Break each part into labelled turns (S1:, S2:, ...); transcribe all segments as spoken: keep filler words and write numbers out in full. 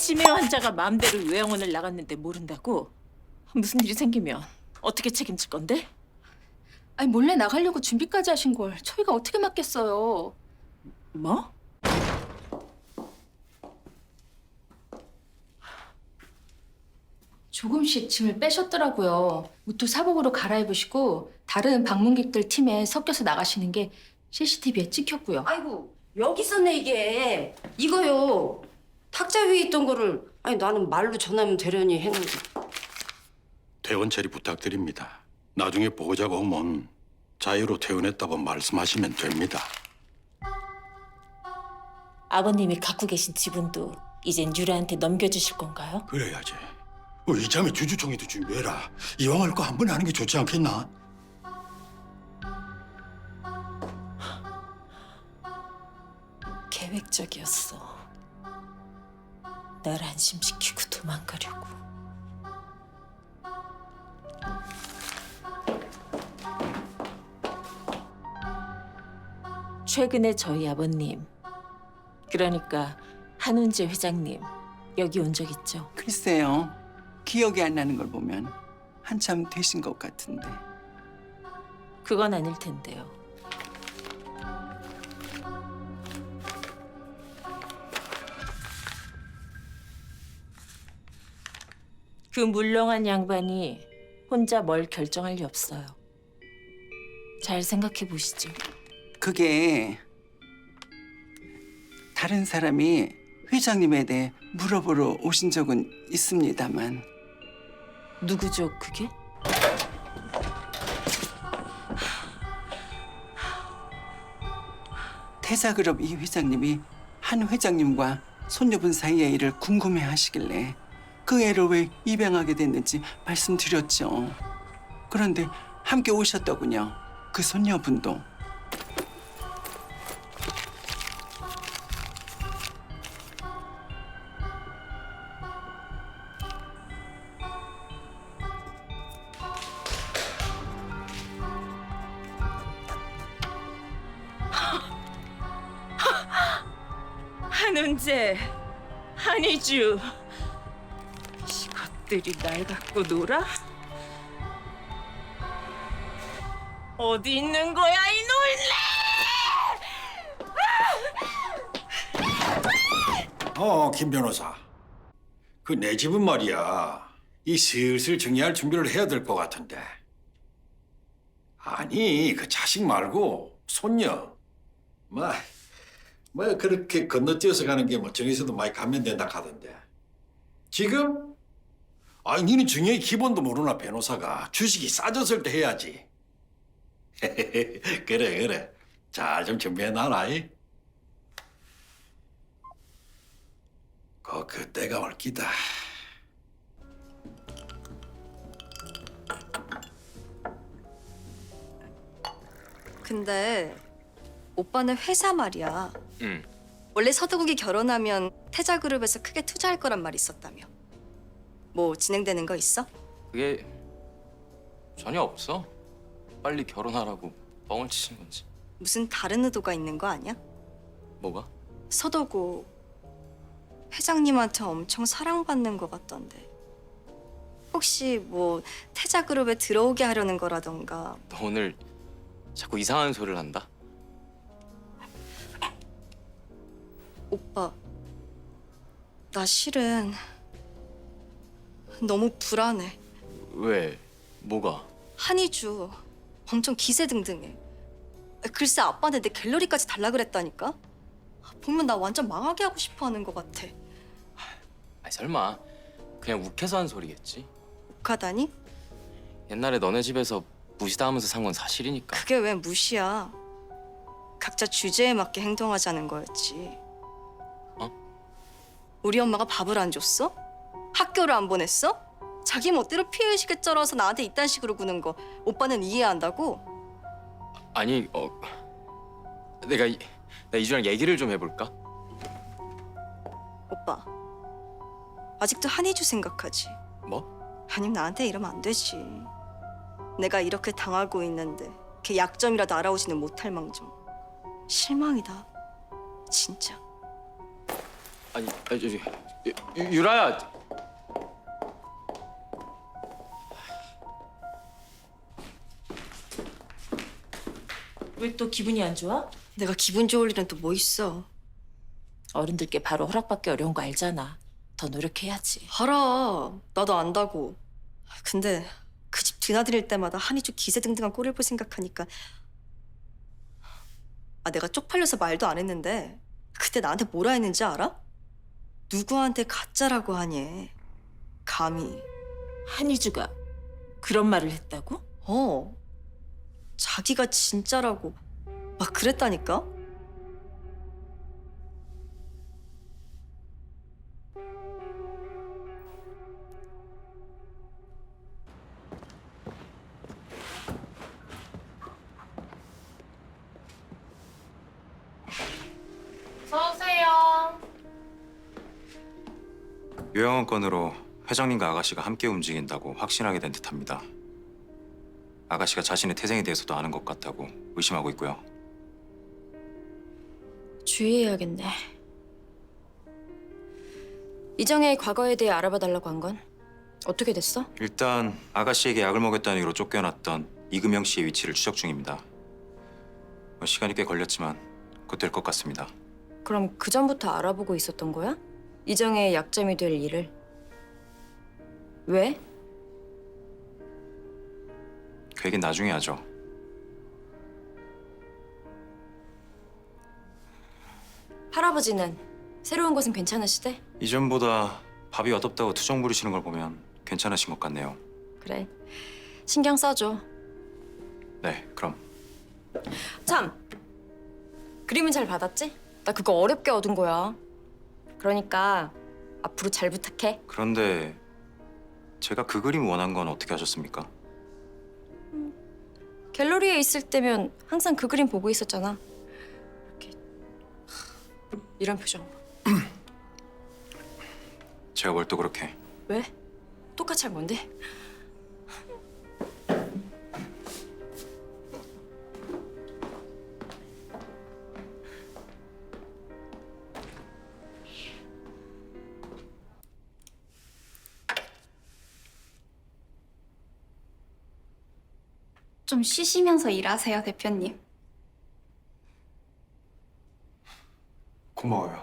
S1: 치매 환자가 마음대로 요양원을 나갔는데 모른다고? 무슨 일이 생기면 어떻게 책임질 건데?
S2: 아니 몰래 나가려고 준비까지 하신 걸 저희가 어떻게 막겠어요?
S1: 뭐?
S2: 조금씩 짐을 빼셨더라고요. 옷도 사복으로 갈아입으시고 다른 방문객들 팀에 섞여서 나가시는 게 씨씨티비에 찍혔고요.
S3: 아이고 여기 있었네 이게. 이거요. 탁자 위에 있던 거를 아니 나는 말로 전하면 되려니 했는데.
S4: 퇴원 처리 부탁드립니다. 나중에 보호자가 오면 자유로 퇴원했다고 말씀하시면 됩니다.
S1: 아버님이 갖고 계신 지분도 이젠 유라한테 넘겨주실 건가요?
S4: 그래야지. 어, 이참에 주주총회도 준비해라. 이왕 할 거 한 번에 하는 게 좋지 않겠나?
S1: 계획적이었어. 날 안심시키고 도망가려고. 최근에 저희 아버님, 그러니까 한운재 회장님 여기 온 적 있죠?
S5: 글쎄요. 기억이 안 나는 걸 보면 한참 되신 것 같은데.
S1: 그건 아닐 텐데요. 그 물렁한 양반이 혼자 뭘 결정할 리 없어요. 잘 생각해 보시죠.
S5: 그게 다른 사람이 회장님에 대해 물어보러 오신 적은 있습니다만
S1: 누구죠, 그게?
S5: 태자그룹 이 회장님이 한 회장님과 손녀분 사이의 일을 궁금해하시길래 그 애를 왜 입양하게 됐는지 말씀드렸죠. 그런데 함께 오셨더군요. 그 손녀분도.
S1: 한운재, 한이주, 이것들이 날 갖고 놀아? 어디 있는 거야, 이놀래!
S4: 어, 김 변호사. 그 내 집은 말이야. 이 슬슬 정리할 준비를 해야 될 것 같은데. 아니, 그 자식 말고 손녀. 뭐, 뭐 그렇게 건너뛰어서 가는 게 뭐 정에서도 많이 감면된다 하던데. 지금? 아니, 니는 정의의 기본도 모르나, 변호사가. 주식이 싸졌을 때 해야지. 그래, 그래. 잘 좀 준비해놔라. 이. 그 그때가 올 기다.
S6: 근데 오빠는 회사 말이야.
S7: 응.
S6: 원래 서도국이 결혼하면 태자그룹에서 크게 투자할 거란 말이 있었다며. 뭐 진행되는 거 있어?
S7: 그게 전혀 없어. 빨리 결혼하라고 뻥을 치신 건지.
S6: 무슨 다른 의도가 있는 거 아니야?
S7: 뭐가?
S6: 서도국 회장님한테 엄청 사랑받는 거 같던데. 혹시 뭐 태자그룹에 들어오게 하려는 거라던가.
S7: 너 오늘 자꾸 이상한 소리를 한다?
S6: 오빠, 나 실은 너무 불안해.
S7: 왜? 뭐가?
S6: 한이주 엄청 기세등등해. 글쎄 아빠한테 내 갤러리까지 달라 그랬다니까. 보면 나 완전 망하게 하고 싶어하는 것 같아.
S7: 아니 설마 그냥 욱해서 한 소리겠지?
S6: 욱하다니?
S7: 옛날에 너네 집에서 무시당하면서 산 건 사실이니까.
S6: 그게 왜 무시야. 각자 주제에 맞게 행동하자는 거였지.
S7: 어?
S6: 우리 엄마가 밥을 안 줬어? 학교를 안 보냈어? 자기 멋대로 피해의식에 쩔어서 나한테 이딴 식으로 구는 거 오빠는 이해한다고?
S7: 아니 어 내가 이, 나 이주랑 얘기를 좀 해볼까?
S6: 오빠 아직도 한이주 생각하지?
S7: 뭐?
S6: 아님 나한테 이러면 안 되지. 내가 이렇게 당하고 있는데 걔 약점이라도 알아오지는 못할 망정. 실망이다. 진짜.
S7: 아니, 아니 저기 유, 유- 유라야.
S1: 왜 또 기분이 안 좋아?
S6: 내가 기분 좋을 일은 또 뭐 있어?
S1: 어른들께 바로 허락받기 어려운 거 알잖아. 더 노력해야지.
S6: 알아. 나도 안다고. 근데 그 집 드나들일 때마다 한이주 기세등등한 꼴을 볼 생각하니까 아 내가 쪽팔려서 말도 안 했는데 그때 나한테 뭐라 했는지 알아? 누구한테 가짜라고 하니? 감히.
S1: 한희주가 그런 말을 했다고?
S6: 어. 자기가 진짜라고 막 그랬다니까?
S8: 유영원 건으로 회장님과 아가씨가 함께 움직인다고 확신하게 된 듯합니다. 아가씨가 자신의 태생에 대해서도 아는 것 같다고 의심하고 있고요.
S9: 주의해야겠네. 이정혜의 과거에 대해 알아봐 달라고 한 건 어떻게 됐어?
S8: 일단 아가씨에게 약을 먹였다는 이유로 쫓겨났던 이금영 씨의 위치를 추적 중입니다. 뭐 시간이 꽤 걸렸지만 곧 될 것 같습니다.
S9: 그럼 그 전부터 알아보고 있었던 거야? 이정혜의 약점이 될 일을. 왜?
S8: 그 얘기는 나중에 하죠.
S9: 할아버지는 새로운 곳은 괜찮으시대?
S8: 이전보다 밥이 어둡다고 투정 부리시는 걸 보면 괜찮으신 것 같네요.
S9: 그래. 신경 써줘.
S8: 네, 그럼.
S9: 참! 그림은 잘 받았지? 나 그거 어렵게 얻은 거야. 그러니까 앞으로 잘 부탁해.
S8: 그런데 제가 그 그림 원한 건 어떻게 하셨습니까?
S9: 갤러리에 있을 때면 항상 그 그림 보고 있었잖아. 이렇게 이런 표정.
S8: 제가 뭘 또 그렇게.
S9: 왜? 똑같이 할 건데?
S10: 좀 쉬시면서 일하세요, 대표님.
S11: 고마워요.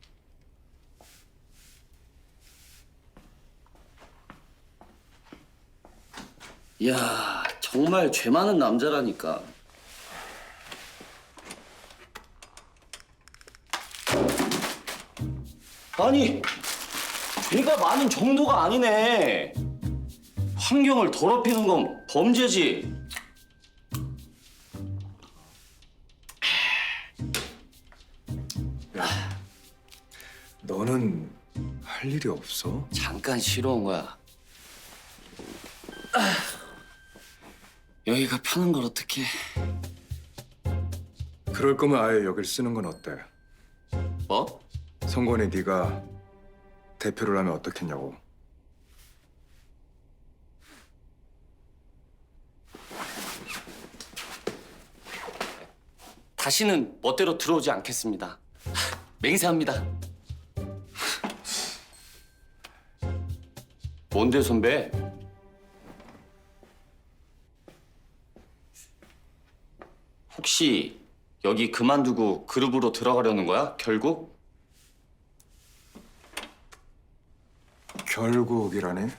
S12: 이야, 정말 죄 많은 남자라니까. 아니, 죄가 많은 정도가 아니네. 환경을 더럽히는 건 범죄지.
S11: 너는 할 일이 없어?
S12: 잠깐 쉬러 온 거야. 아, 여기가 편한 걸 어떡해.
S11: 그럴 거면 아예 여길 쓰는 건 어때?
S12: 뭐?
S11: 성권이 네가 대표를 하면 어떻겠냐고.
S12: 다시는 멋대로 들어오지 않겠습니다. 맹세합니다. 뭔데 선배? 혹시 여기 그만두고 그룹으로 들어가려는 거야? 결국?
S11: 결국이라니?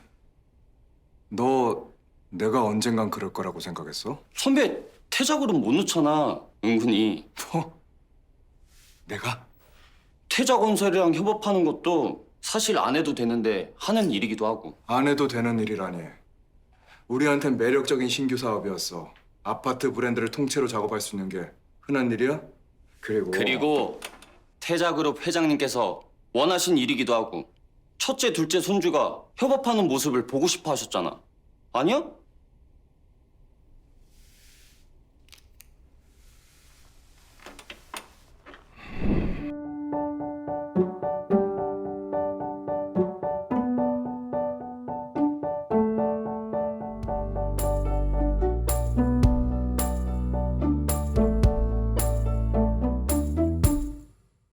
S11: 너 내가 언젠간 그럴 거라고 생각했어?
S12: 선배 퇴작으로 못 넣잖아. 은근히.
S11: 뭐? 내가?
S12: 퇴자건설이랑 협업하는 것도 사실 안 해도 되는데 하는 일이기도 하고.
S11: 안 해도 되는 일이라니. 우리한텐 매력적인 신규 사업이었어. 아파트 브랜드를 통째로 작업할 수 있는 게 흔한 일이야? 그리고
S12: 그리고 태자그룹 회장님께서 원하신 일이기도 하고 첫째, 둘째 손주가 협업하는 모습을 보고 싶어 하셨잖아. 아니야?